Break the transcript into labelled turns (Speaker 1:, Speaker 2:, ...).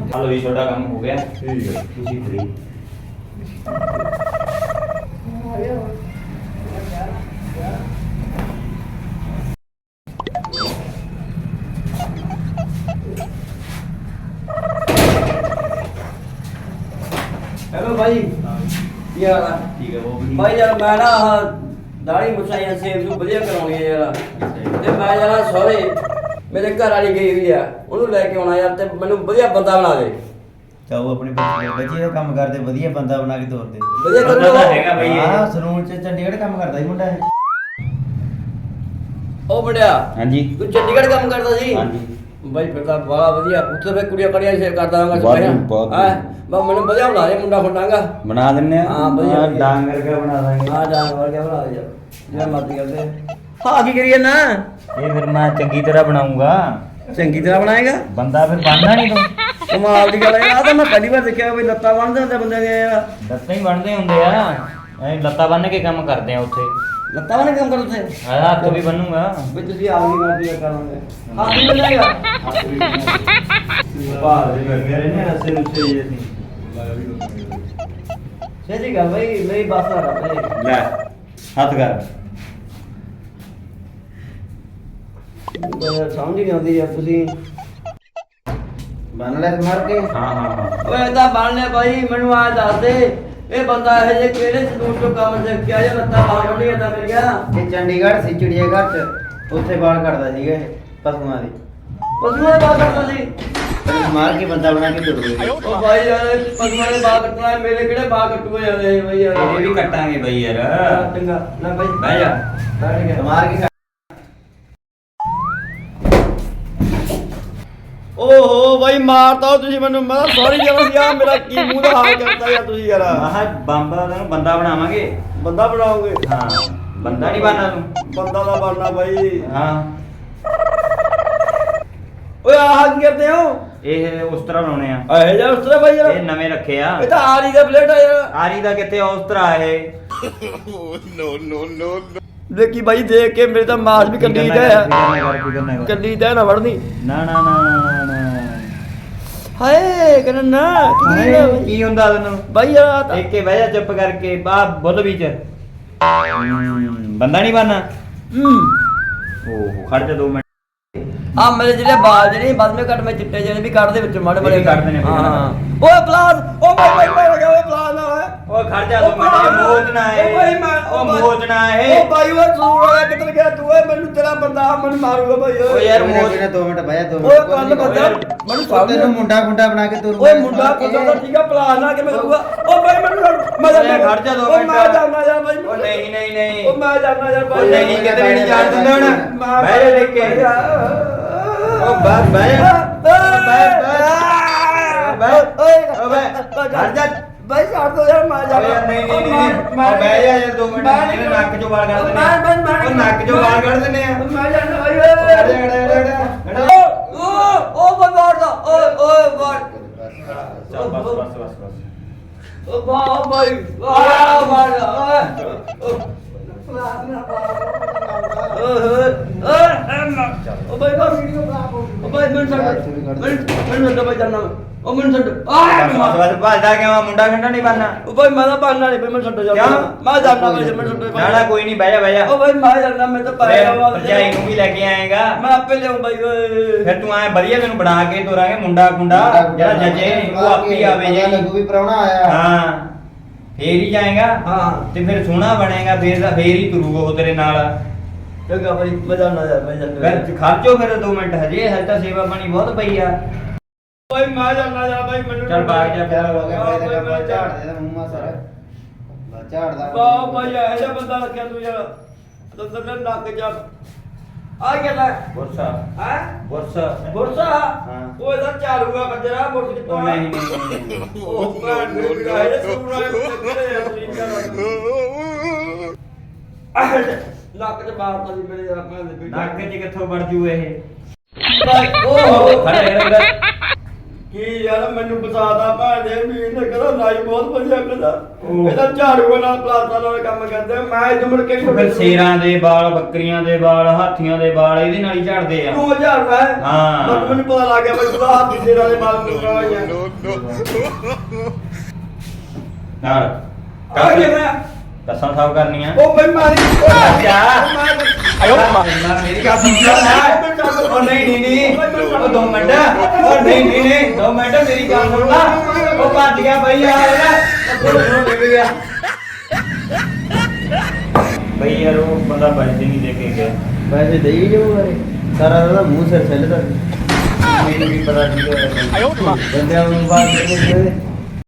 Speaker 1: ਚਲੋ ਜੀ ਤੁਹਾਡਾ ਕੰਮ ਹੋ ਗਿਆ।
Speaker 2: ਠੀਕ ਹੈ।
Speaker 1: ਤੁਸੀਂ ਫ੍ਰੀ।
Speaker 3: हेलो भाई ਕੀ ਹਾਲ ਆ?
Speaker 1: ਠੀਕ ਹੈ ਉਹ ਵੀ
Speaker 3: ਭਾਈ ਯਾਰ ਮੈਂ ਨਾ ਆਹ ਦਾੜੀ ਮੁੱਛਾਂ ਸੇਵ ਨੂੰ ਵਧੀਆ ਕਰਾਉਣੀ ਆ ਯਾਰ, ਤੇ ਮੈਂ ਜਾਣਾ ਸਹੁਰੇ, ਮੇਰੇ ਘਰ ਵਾਲੀ ਗਈ ਹੋਈ ਆ, ਉਹਨੂੰ ਲੈ ਕੇ ਆਉਣਾ ਯਾਰ, ਤੇ ਮੈਨੂੰ ਵਧੀਆ ਬੰਦਾ ਬਣਾ ਦੇ।
Speaker 2: ਚਾਹੋ ਆਪਣੇ ਬੱਚੇ ਦਾ ਕੰਮ ਕਰਦੇ, ਵਧੀਆ ਬੰਦਾ ਬਣਾ ਕੇ ਤੋਰਦੇ।
Speaker 3: ਵਧੀਆ
Speaker 1: ਬੰਦਾ ਤਾਂ
Speaker 3: ਕਰ
Speaker 1: ਹੈਗਾ ਬਈ ਇਹ।
Speaker 2: ਹਾਂ ਸਲੂਨ ਚ ਚੰਡੀਗੜ੍ਹ ਕੰਮ ਕਰਦਾ ਸੀ ਮੁੰਡਾ ਇਹ।
Speaker 3: ਉਹ ਮੁੰਡਿਆ,
Speaker 1: ਹਾਂਜੀ
Speaker 3: ਤੂੰ ਚੰਡੀਗੜ੍ਹ ਕੰਮ ਕਰਦਾ ਸੀ?
Speaker 1: ਹਾਂਜੀ
Speaker 3: ਬਾਈ ਫਿਰ ਤਾਂ ਬੜਾ ਵਧੀਆ, ਉੱਥੇ ਫਿਰ ਕੁੜੀਆਂ ਕੜੀਆਂ ਸੇਵ ਕਰਦਾ ਹਾਂ
Speaker 1: ਬਹੁਤ
Speaker 3: ਬਸ ਮੈਨੂੰ ਵਧੀਆ ਬਣਾ ਦੇ ਮੁੰਡਾ ਖੁੰਡਾਂਗਾ।
Speaker 1: ਬਣਾ ਦਿੰਨੇ ਆ।
Speaker 3: ਹਾਂ, ਵਧੀਆ, ਵਧੀਆ।
Speaker 1: ਡਾਂਗਰ ਕਾ ਬਣਾ ਦਾਂਗੇ।
Speaker 3: ਹਾਂ ਜਾਨ ਵਰਗਾ ਬਣਾ ਦੇ ਯਾਰ, ਜਿਵੇਂ ਮਰਜ਼ੀ ਕਰਦੇ। ਹਾਂ ਕੀ ਕਰੀਏ ਨਾ,
Speaker 1: ਇਹ ਫਿਰ ਮੈਂ ਚੰਗੀ ਤਰ੍ਹਾਂ ਬਣਾਉਂਗਾ।
Speaker 3: ਚੰਗੀ ਤਰ੍ਹਾਂ ਬਣਾਏਗਾ?
Speaker 1: ਬੰਦਾ ਫਿਰ ਬਣਨਾ ਨਹੀਂ ਤੂੰ।
Speaker 3: ਕਮਾਲ ਦੀ ਗੱਲ ਹੈ, ਆ ਤਾਂ ਮੈਂ ਪਹਿਲੀ ਵਾਰ ਦੇਖਿਆ ਵੀ ਲੱਤਾਂ ਬੰਨ੍ਹਦੇ ਹੁੰਦੇ ਬੰਦੇ ਦੀਆਂ ਯਾਰ।
Speaker 1: ਲੱਤਾਂ ਹੀ ਬਣਦੇ ਹੁੰਦੇ ਆ, ਐ ਲੱਤਾਂ ਬੰਨ ਕੇ ਕੰਮ ਕਰਦੇ ਆ ਉੱਥੇ।
Speaker 3: ਲੱਤਾਂ ਵਾਲੇ ਕੰਮ ਕਰ ਉੱਥੇ?
Speaker 1: ਹਾਂ ਹੱਥ ਵੀ ਬੰਨੂਗਾ।
Speaker 3: ਵੀ ਤੁਸੀਂ ਆਪ ਹੀ ਮਰਜ਼ੀ ਕਰਾਂਗੇ। ਹੱਥ ਵੀ ਬਣਾਏਗਾ?
Speaker 1: ਭਾਰ ਦੇ ਲੱਗੇ ਰਹਿੰਦੇ ਰਸੇ ਰੁਸੇ ਜੀ ਅਸੀਂ।
Speaker 3: ਸਹੀ ਗੱਲ ਬਈ, ਮੇਰੀ ਬਾਤ ਨਾ ਕਰ।
Speaker 1: ਲੈ ਹੱਥ ਕਰ।
Speaker 3: ਮੈਨੂੰ ਸਮਝ ਨਹੀਂ ਆਉਂਦੀ ਯਾਰ, ਤੁਸੀਂ
Speaker 2: ਬਣ ਲੈ ਮਾਰ ਕੇ।
Speaker 1: ਹਾਂ ਹਾਂ ਹਾਂ
Speaker 3: ਓਏ ਤਾਂ ਬਣ ਲਿਆ ਬਾਈ, ਮੈਨੂੰ ਆ ਦੱਸ ਦੇ ਇਹ ਬੰਦਾ ਇਹ ਜੇ ਕਿਹੜੇ ਸਲੂਨ ਤੋਂ ਕੰਮ ਸਿੱਖਿਆ ਜਾਂ ਲੱਤਾਂ ਬਾਹਰ ਨਹੀਂ ਆਦਾ ਮੇਰੀਆਂ?
Speaker 2: ਇਹ ਚੰਡੀਗੜ੍ਹ ਸੀ ਚਿੜੀਆਘਰ ਚ, ਉੱਥੇ ਬਾਲ ਕੱਟਦਾ ਸੀਗਾ ਇਹ ਪਸ਼ੂਆਂ ਦੇ।
Speaker 3: ਪਸ਼ੂਆਂ ਦੇ ਬਾਲ ਕੱਟਦਾ ਸੀ?
Speaker 2: ਤੈਨੂੰ ਮਾਰ ਕੇ ਬੰਦਾ ਬਣਾ ਕੇ ਤੋਰਦੇ।
Speaker 3: ਉਹ ਬਾਈ ਯਾਰ ਪਸ਼ੂਆਂ ਦੇ ਬਾਲ ਕੱਟਣਾ, ਮੇਰੇ ਕਿਹੜੇ ਬਾਲ ਕੱਟੂਏ ਜਾਂਦੇ ਬਈ ਯਾਰ।
Speaker 1: ਇਹ ਵੀ ਕੱਟਾਂਗੇ ਬਈ ਯਾਰ।
Speaker 3: ਚੰਗਾ ਨਾ ਬਾਈ
Speaker 1: ਬਹਿ ਜਾ।
Speaker 3: ਬੈਠ ਗਿਆ।
Speaker 2: ਮਾਰ ਕੇ
Speaker 3: ਓਹੋ ਬਾਈ ਮਾਰਤਾ ਤੁਸੀਂ ਮੈਨੂੰ, ਮੈਂ ਸੌਰੀ ਯਾਰ, ਯਾਰ ਮੇਰਾ ਕੀ ਮੂੰਹ ਦਾ ਹਾਲ ਕਰਤਾ ਯਾਰ ਤੁਸੀਂ ਯਾਰ।
Speaker 1: ਆਹ ਬੰਦਾ ਨੂੰ ਬੰਦਾ ਬਣਾਵਾਂਗੇ।
Speaker 3: ਬੰਦਾ ਬਣਾਓਗੇ?
Speaker 1: ਹਾਂ ਬੰਦਾ ਨਹੀਂ ਬਣਨਾ ਤੂੰ।
Speaker 3: ਬੰਦਾ ਦਾ ਬਣਨਾ ਬਾਈ।
Speaker 1: ਹਾਂ
Speaker 3: ਓਏ ਆਹ ਕੀ ਕਰਦੇ ਹੋ?
Speaker 1: ਇਹ ਉਸ ਤਰ੍ਹਾਂ ਬਣਾਉਣੇ ਆ।
Speaker 3: ਇਹ ਜਾ ਉਸ ਤਰ੍ਹਾਂ ਬਾਈ ਯਾਰ,
Speaker 1: ਇਹ ਨਵੇਂ ਰੱਖੇ ਆ।
Speaker 3: ਇਹ ਤਾਂ ਆਰੀ ਦਾ ਪਲੇਟ ਆ ਯਾਰ।
Speaker 1: ਆਰੀ ਦਾ ਕਿੱਥੇ ਉਸ ਤਰ੍ਹਾਂ ਇਹ।
Speaker 3: ਦੇਖੀ ਬਾਈ ਦੇਖ ਕੇ ਮੇਰੇ ਤਾਂ ਮਾਸ ਵੀ ਕੱਲੀ ਦਾ ਆ। ਕੱਲੀ ਦਾ ਨਾ ਵੜਨੀ।
Speaker 1: ਨਾ ਨਾ ਨਾ ਨਾ ਨਾ
Speaker 3: ਹਾਏ ਕਰਨ ਨਾ
Speaker 1: ਕੀ ਹੁੰਦਾ ਤੈਨੂੰ
Speaker 3: ਬਾਈ ਯਾਰ ਤਾਂ
Speaker 1: ਦੇਖ ਕੇ ਬਹਿ ਜਾ ਚੁੱਪ ਕਰਕੇ। ਬਾ ਬੁੱਲ ਵਿੱਚ ਬੰਦਾ ਨਹੀਂ ਬਣਨਾ। ਓਹੋ ਖੜ ਜਾ 2 ਮਿੰਟ।
Speaker 3: ਆ ਮੇਰੇ ਜਿਹੜੇ ਬਾਲ ਜਿਹੜੇ ਬਾਅਦ ਵਿੱਚ ਕੱਟ, ਮੈਂ ਚਿੱਟੇ ਜਿਹੜੇ ਵੀ ਕੱਢ ਦੇ ਵਿੱਚ ਮਾੜੇ ਮਾੜੇ
Speaker 1: ਇਹ ਵੀ ਕੱਢਦੇ ਨੇ।
Speaker 3: ਹਾਂ ਓਏ ਪਲਾਸ, ਓ ਬਾਈ ਬਾਈ ਲਗਾ ਓਏ ਪਲਾਸ ਨਾ ਓਏ।
Speaker 1: ਓਏ ਖੜ ਜਾ 2 ਮਿੰਟ। ਇਹ ਮੋਚਣਾ ਹੈ।
Speaker 3: ਓ ਬਾਈ ਮੈਂ
Speaker 1: ਉਹ ਮੋਚਣਾ ਹੈ।
Speaker 3: ਓ ਬਾਈ ਓਏ ਸੂਰ ਵਾਲਾ ਕਿੱਧਰ ਗਿਆ ਤੂੰ? ਓਏ ਮੈਨੂੰ ਤੇਰਾ ਬੰਦਾ ਮੈਨੂੰ ਮਾਰੂਗਾ ਬਾਈ
Speaker 1: ਓਏ ਯਾਰ ਮੋਚ
Speaker 2: 2 ਮਿੰਟ ਬਹਿ ਜਾ 2
Speaker 3: ਓਏ
Speaker 2: ਮਿੰਟ।
Speaker 3: ਕੱਲ ਬੰਦਾ ਮੈਨੂੰ ਸਾਹਮਣੇ
Speaker 2: ਤੈਨੂੰ ਮੁੰਡਾ ਬਣਾ ਕੇ ਤੋਰੂਗਾ।
Speaker 3: ਓਏ ਮੁੰਡਾ ਕੋਦਾ ਤਾਂ ਠੀਕ ਆ, ਪਲਾਸ ਨਾ ਕਿਵੇਂ ਕਰੂਗਾ? ਓ ਬਾਈ ਮੈਨੂੰ ਮੈਂ
Speaker 1: ਓਏ ਖੜ ਜਾ 2
Speaker 3: ਓ
Speaker 1: ਮਿੰਟ।
Speaker 3: ਮੈਂ ਜਾਣਾ ਯਾਰ ਬਾਈ।
Speaker 1: ਓ ਨਹੀਂ ਨਹੀਂ ਨਹੀਂ।
Speaker 3: ਓ ਮੈਂ ਜਾਣਾ ਯਾਰ
Speaker 1: ਓ
Speaker 3: ਬਾਈ।
Speaker 1: ਨਹੀਂ ਕਿਤੇ ਨਹੀਂ ਜਾਣ ਦਿੰਦਾ ਹੁਣ। ਬਹਿ ਜਾ ਦੇਖ ਕੇ। ਓ ਬਸ ਬਹਿ ਜਾ। ਖੜ ਜਾ।
Speaker 3: ਬਾਈ ਛੱਡ ਦੋ ਯਾਰ, ਮੈਂ ਜਾਣਾ।
Speaker 1: ਓਏ ਨਹੀਂ ਨਹੀਂ ਨਹੀਂ ਬਹਿ ਜਾ ਯਾਰ 2 ਮਿੰਟ। ਮੇਰੇ ਨੱਕ ਚੋਂ ਵਾਲ ਕੱਢ ਦਿੰਦੇ ਆ। ਉਹ ਨੱਕ ਚੋਂ ਵਾਲ ਕੱਢ ਦਿੰਦੇ ਆ।
Speaker 3: ਮੈਂ ਜਾਣਾ ਬਾਈ।
Speaker 1: ਓ
Speaker 3: ਓ ਬੰਦਾ ਦਾ ਓਏ ਓਏ ਬਾਈ।
Speaker 1: ਚੱਲ ਬਸ ਬਸ ਬਸ ਬਸ।
Speaker 3: ਓ ਬਾਈ ਆ ਮਾਰ ਓਏ ਓ ਬਾਈ ਦਾ ਵੀਡੀਓ ਬਣਾ ਓ ਬਾਈ ਮੈਨੂੰ ਛੱਡ ਬਾਈ ਜਾਨਾ ਓ ਮੈਨੂੰ ਛੱਡ
Speaker 1: ਬਸ ਬਸ ਭੱਜਦਾ ਕਿਉਂ ਆ? ਮੁੰਡਾ ਖੰਡਾ ਨਹੀਂ ਬਣਨਾ।
Speaker 3: ਓ ਬਾਈ ਮੈਂ ਤਾਂ ਬਣਨਾ ਨਹੀਂ ਬਾਈ, ਮੈਨੂੰ ਛੱਡ ਜਾ।
Speaker 1: ਕਿਉਂ?
Speaker 3: ਮੈਂ ਜਾਨਾ ਬਾਈ, ਮੈਨੂੰ ਛੱਡ
Speaker 1: ਨਾ ਨਾ ਕੋਈ ਨਹੀਂ ਬਹਿ ਜਾ ਬਹਿ ਜਾ।
Speaker 3: ਓ ਬਾਈ ਮੈਂ ਜਾਨਾ, ਮੈਂ ਤਾਂ ਪਾਇਆ ਵਾ।
Speaker 1: ਭਰਜਾਈ ਨੂੰ ਵੀ ਲੈ ਕੇ ਆਏਗਾ।
Speaker 3: ਮੈਂ ਆਪੇ ਲਿਆਉਂ ਬਾਈ ਓਏ।
Speaker 1: ਫਿਰ ਤੂੰ ਐ ਵਧੀਆ ਤੈਨੂੰ ਬਣਾ ਕੇ ਤੋਰਾਂਗੇ ਮੁੰਡਾ ਖੁੰਡਾ ਜਿਹੜਾ ਜੱਜੇ ਉਹ ਆਪੀ ਆਵੇ ਜੀ।
Speaker 2: ਲੱਗੂ ਵੀ ਪ੍ਰਾਹੁਣਾ ਆਇਆ।
Speaker 1: ਹਾਂ ਫੇਰ ਹੀ ਜਾਏਗਾ।
Speaker 3: ਹਾਂ
Speaker 1: ਤੇ ਫਿਰ ਸੋਹਣਾ ਬਣੇਗਾ। ਫੇਰ ਹੀ ਤੁਰੂਗਾ ਉਹ ਤੇਰੇ ਨਾਲ।
Speaker 3: ਚੰਗਾ ਬਾਈ ਮੈਂ ਜਾਨਾ ਯਾਰ, ਮੈਂ ਜਾਨਾ।
Speaker 1: ਫਿਰ ਖਰਚੋ ਫਿਰ 2 ਮਿੰਟ ਹਜੇ ਤਾਂ ਸੇਵਾ ਪਾਣੀ ਬਹੁਤ ਪਈ ਆ।
Speaker 3: ਬਾਈ ਮੈਂ ਜਾਨਾ ਯਾਰ ਬਾਈ, ਮੈਨੂੰ
Speaker 1: ਚੱਲ ਬਾਗ ਜਾ।
Speaker 2: ਪਿਆਰ ਹੋ ਗਿਆ ਬਾਈ ਦਾ ਕੰਮ ਝਾੜ ਦੇ ਮੂੰਹ ਮਾ ਸਾਰਾ। ਝਾੜਦਾ।
Speaker 3: ਵਾਹ ਬਾਈ ਇਹ ਜਿਹਾ ਬੰਦਾ ਰੱਖਿਆ ਤੂੰ ਯਾਰ, ਤੰਦਰ ਨੇ ਨੱਕ ਜਾ ਆ ਗਿਆ ਲੈ।
Speaker 1: ਬੁਰਸਾ
Speaker 3: ਹੈ
Speaker 1: ਬੁਰਸਾ
Speaker 3: ਬੁਰਸਾ?
Speaker 1: ਹਾਂ।
Speaker 3: ਉਹ ਇਹਦਾ ਚਾਲੂਗਾ ਕੰਜਰਾ, ਬੁਰਸ ਕਿੱਥੋਂ
Speaker 1: ਉਹ ਨਹੀਂ ਨਹੀਂ
Speaker 3: ਉਹ ਭੈਣ ਦੇ ਵਿਗਾਏ ਦੇ ਸੂਰਾ ਨੱਕ ਤੇ ਮਾਰਤਾ ਸੀ ਮੇਰੇ ਯਾਰ ਭੈਣ ਦੇ ਬੇਟੇ।
Speaker 1: ਨੱਕ 'ਚ ਕਿੱਥੋਂ ਵੜ ਜੂ ਇਹ?
Speaker 3: ਓਹ
Speaker 1: ਖੜਾ ਖੜਾ
Speaker 3: ਕੀ ਕੀ ਯਾਰ ਮੈਨੂੰ ਬਸਾਦਾ ਭਾਂਦੇ ਵੀ ਇਹਨੇ ਕਹਿੰਦਾ ਨਾਈ ਬਹੁਤ ਵਧੀਆ ਕਰਦਾ
Speaker 1: ਉਹ।
Speaker 3: ਇਹਦਾ ਝਾੜੂ ਨਾਲ ਪਲਾਸਟਰ ਨਾਲ ਕੰਮ ਕਰਦੇ ਮੈਂ ਇਹ ਮੁੜ ਕੇ
Speaker 1: ਫਿਰ ਸ਼ੇਰਾਂ ਦੇ ਵਾਲ, ਬੱਕਰੀਆਂ ਦੇ ਵਾਲ, ਹਾਥੀਆਂ ਦੇ ਵਾਲ ਇਹਦੇ ਨਾਲ ਹੀ ਝੜਦੇ ਆ।
Speaker 3: 2000 ਰੁਪਏ
Speaker 1: ਹਾਂ।
Speaker 3: ਬਸ ਮੈਨੂੰ ਪਤਾ ਲੱਗ ਗਿਆ ਬਈ ਤੂੰ ਹੱਥ ਦੇ ਨਾਲ ਮਾਲ ਮੁਕਾ ਗਿਆ
Speaker 1: ਨਾਲ
Speaker 3: ਆ ਗਿਆ ਮੈਂ
Speaker 1: ਦੱਸਾਂ ਸਾਫ ਕਰਨੀਆਂ।
Speaker 3: ਉਹ ਬਈ ਮਾਰੀ
Speaker 1: ਜਾ। ਆਇਓ ਮੇਰੀ ਗੱਲ ਸੁਣ। ਉਹ ਨਹੀਂ ਉਹ 2 ਮਿੰਟ। ਉਹ ਨਹੀਂ 2 ਮਿੰਟ ਮੇਰੀ ਗੱਲ ਸੁਣ ਲਾ। ਉਹ ਭੱਜ ਗਿਆ ਬਈ ਯਾਰ ਉਹਨੂੰ ਡਿੱਗ ਗਿਆ ਬਈ ਯਾਰ ਉਹ ਬੰਦਾ ਪੈਸੇ ਨਹੀਂ ਦੇ ਕੇ ਗਿਆ।
Speaker 2: ਪੈਸੇ ਦੇਈ ਜਾਊ ਬਾਰੇ ਸਾਰਾ ਉਹਦਾ ਮੂੰਹ ਸਿਰ ਛੱਲਦਾ
Speaker 1: ਮੈਨੂੰ ਵੀ ਪਤਾ ਨਹੀਂ
Speaker 2: ਬੰਦਿਆਂ ਨੂੰ ਬਾਅਦ